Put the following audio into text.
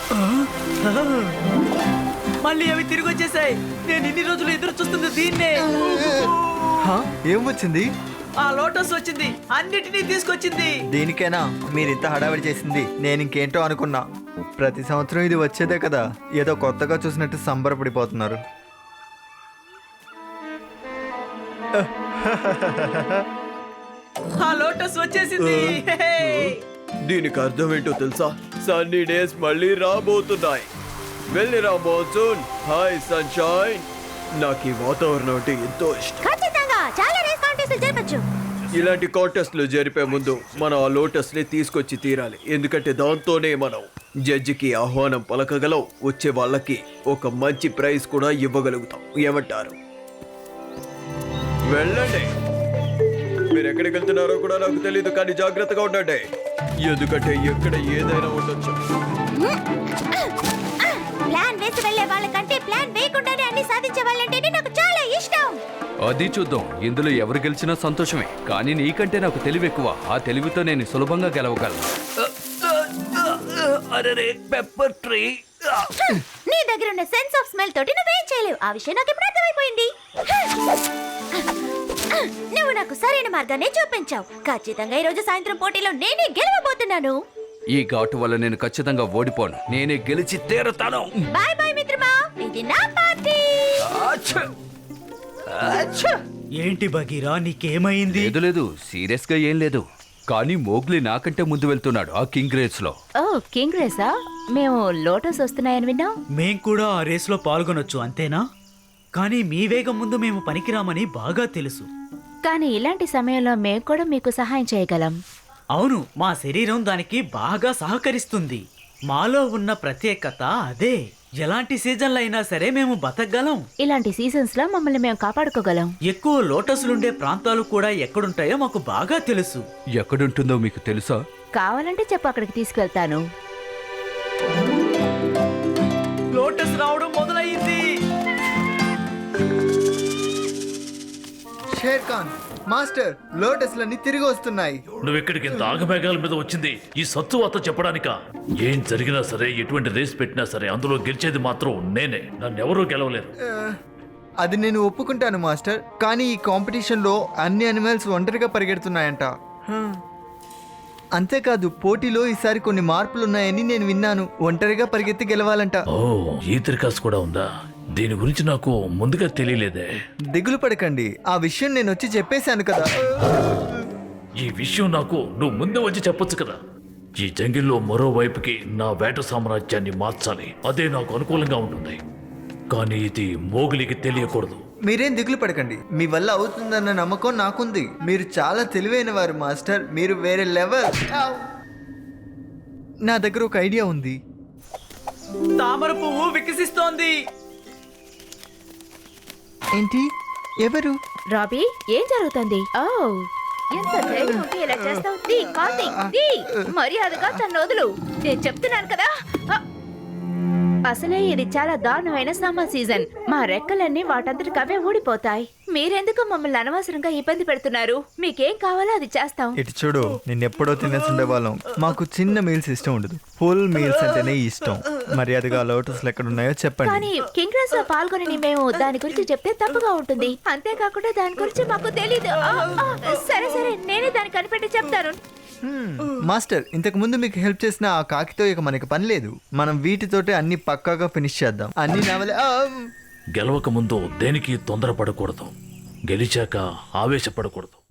మళ్ళీ అవి తిరిగి వచ్చేసాయి. నేను ఇన్ని రోజులు ఎదురు చూస్తుంది దీన్నే. ఏం వచ్చింది? ఆ లోటస్ వచ్చింది, అన్నిటినీ తీసుకొచ్చింది. దీనికేనా మీరు ఇంత హడావిడి చేసింది? నేను ఇంకేంటో అనుకున్నా. ప్రతి సంవత్సరం ఇది వచ్చేదే కదా, ఏదో కొత్తగా చూసినట్టు సంబరపడిపోతున్నారు. ఆ లోటస్ వచ్చేసింది. దీనికి అర్థం ఏంటో తెలుసా? సన్నీ డేస్ మళ్ళీ రాబోతున్నాయి. వెళ్ళిరా మోన్సూన్. Hi sunshine. నాకు ఈ వాతావరణం అంటే ఎంతో ఇష్టం. ఖచ్చితంగా చాలా రేస్ కాంటెస్ట్లు జరపచ్చు. ఇలాంటి కాంటెస్ట్లు జరిపే ముందు మనం ఆ లోటస్ ని తీసుకొచ్చి తీరాలి. ఎందుకంటే దాంతోనే మనం జడ్జికి ఆహ్వానం పలకగలం. వచ్చే వాళ్ళకి ఒక మంచి ప్రైజ్ కూడా ఇవ్వగలుగుతాం. ఏమంటారు? వెళ్ళండి. మీరు ఎక్కడికి వెళ్తున్నారో కూడా నాకు తెలియదు, కానీ జాగ్రత్తగా ఉండండి. ఎందుకంటే ఎక్కడ ఏదైనా ఉండొచ్చు. ప్లాన్ వేసి వెళ్ళే వాళ్ళకంటే ప్లాన్ వేయకుండానే అన్ని సాధించే వాళ్ళంటే నాకు చాలా ఇష్టం. అది చూద్దాం. ఇందులో ఎవరు గెలిచినా సంతోషమే, కానీ నీకంటే నాకు తెలివి ఎక్కువ. ఆ తెలివితో నేను సులభంగా గెలవగలను. అరే పెప్పర్ ట్రీ. నీ దగ్గర ఉన్న సెన్స్ ఆఫ్ స్మెల్ తోటి నువ్వేం చేయలేవు. ఆ విషయం నాకు ఇప్పుడు అర్థమైపోయింది. నువ్వు నాకు సరైన మార్గాన్ని చూపించావు. ఖచ్చితంగా ఈ రోజు సాయంత్రం పోటీలో నేనే గెలవబోతున్నాను. ఈ ఘాటు వల్ల నేను ఖచ్చితంగా ఓడిపోను. నేనే గెలిచి తీరుతాను. బాయ్ బాయ్ మిత్రమా, ఇది నా పార్టీ. ఏంటి బగీరా, నీకేమైంది? లేదు లేదు, సీరియస్ గా ఏం లేదు. కానీ మోగ్లీ నాకంటే ముందు వెళ్తున్నాడు ఆ కింగ్ రేస్ లో. ఓ కింగ్ రేసా? మేము లోటస్ వస్తున్నాయని విన్నాం. మేం కూడా ఆ రేస్లో పాల్గొనొచ్చు, అంతేనా? కానీ మీ వేగం ముందు మేము పనికిరామని బాగా తెలుసు. కానీ ఇలాంటి సమయంలో మేము కూడా మీకు సహాయం చేయగలం. అవును, మా శరీరం దానికి బాగా సహకరిస్తుంది. మాలో ఉన్న ప్రత్యేకత అదే. ఎలాంటి సీజన్లు అయినా సరే మేము బతకగలం. ఇలాంటి సీజన్స్ లో మమ్మల్ని మేము కాపాడుకోగలం. ఎక్కువ లోటస్లుండే ప్రాంతాలు కూడా ఎక్కడుంటాయో మాకు బాగా తెలుసు. ఎక్కడుంటుందో మీకు తెలుసా? కావాలంటే చెప్పు, అక్కడికి తీసుకెళ్తాను. లోటస్ రావడం మొదలయ్యింది. షేర్ ఖాన్ మాస్టర్, లోటస్లన్నీ తిరిగి వస్తున్నాయి. నువ్వు ఇక్కడికి ఇంత ఆగమేఘాల మీద వచ్చింది ఈ సత్తువాత చెప్పడానిక? ఏం జరిగినా సరే, ఎటువంటి రేస్ పెట్టినా సరే, అందులో గెలిచేది మాత్రం నేనే. నన్ను ఎవరూ గెలవలేరు. అది నేను ఒప్పుకుంటాను మాస్టర్, కానీ ఈ కాంపిటీషన్లో అన్ని అనిమల్స్ ఒంటరిగా పరిగెడుతున్నాయంట. అంతేకాదు, పోటీలో ఈసారి కొన్ని మార్పులు ఉన్నాయని నేను విన్నాను. ఒంటరిగా పరిగెత్తి గెలవాలంట. ఓ, ఈ త్రికాస్ కూడా ఉందా? దీని గురించి నాకు ముందుగా తెలియలేదే. దిగులు పడకండి, ఆ విషయం నేను వచ్చి చెప్పేశాను కదా. ఈ విషయం నాకు నువ్వు ముందే వచ్చి చెప్పొచ్చు కదా. ఈ జంగిల్లో మరోవైపుకి నా వేట సామ్రాజ్యాన్ని మార్చాలి. అదే నాకు అనుకూలంగా ఉంటుంది. కానీ ఇది మోగులికి తెలియకూడదు. మీరేం దిగులు పడకండి, మీ వల్ల అవుతుందన్న నమ్మకం నాకుంది. మీరు చాలా తెలివైన వారు మాస్టర్, మీరు వేరే లెవెల్. నా దగ్గర ఒక ఐడియా ఉంది. తామర పువ్వు వికసిస్తోంది. ఏంటి? ఎవరు? రాబీ, ఏం జరుగుతుంది? ఓ, ఎంత ధైర్యం ఉంటే ఇలా చేస్తావు? మర్యాదగా తన వదులు. నేను చెప్తున్నాను కదా. అసలే ఇది చాలా దారుణమైన సమ్మర్ సీజన్. మా రెక్కలన్నీ వాటంతటికి అవే ఊడిపోతాయి. మీరెందుకు మమ్మల్ని అనవసరంగా ఇబ్బంది పెడుతున్నారు? మీకేం కావాలో అది చేస్తాం. ఇటు చూడు, నిన్నెప్పుడో తినేసి ఉండేవాళ్ళం. మాకు చిన్న మీల్స్ ఇష్టం ఉండదు, ఫుల్ మీల్స్ అంటేనే ఇష్టం. మర్యాదగా లోటస్లు ఎక్కడున్నాయో చెప్పండి. కానీ కింగ్ రేస్ లో పాల్గొని మేము దాని గురించి చెప్తే తప్పుగా ఉంటుంది. అంతేకాకుండా దాని గురించి మాకు తెలీదు. సరే సరే, నేనే దాన్ని కనిపెట్టి చెప్తాను. మాస్టర్, ఇంతకు ముందు మీకు హెల్ప్ చేసిన ఆ కాకితో ఇక మనకి పని లేదు. మనం వీటితోటే అన్ని పక్కాగా ఫినిష్ చేద్దాం. అన్ని గెలవక ముందు దేనికి తొందరపడకూడదు. గెలిచాక ఆవేశపడకూడదు.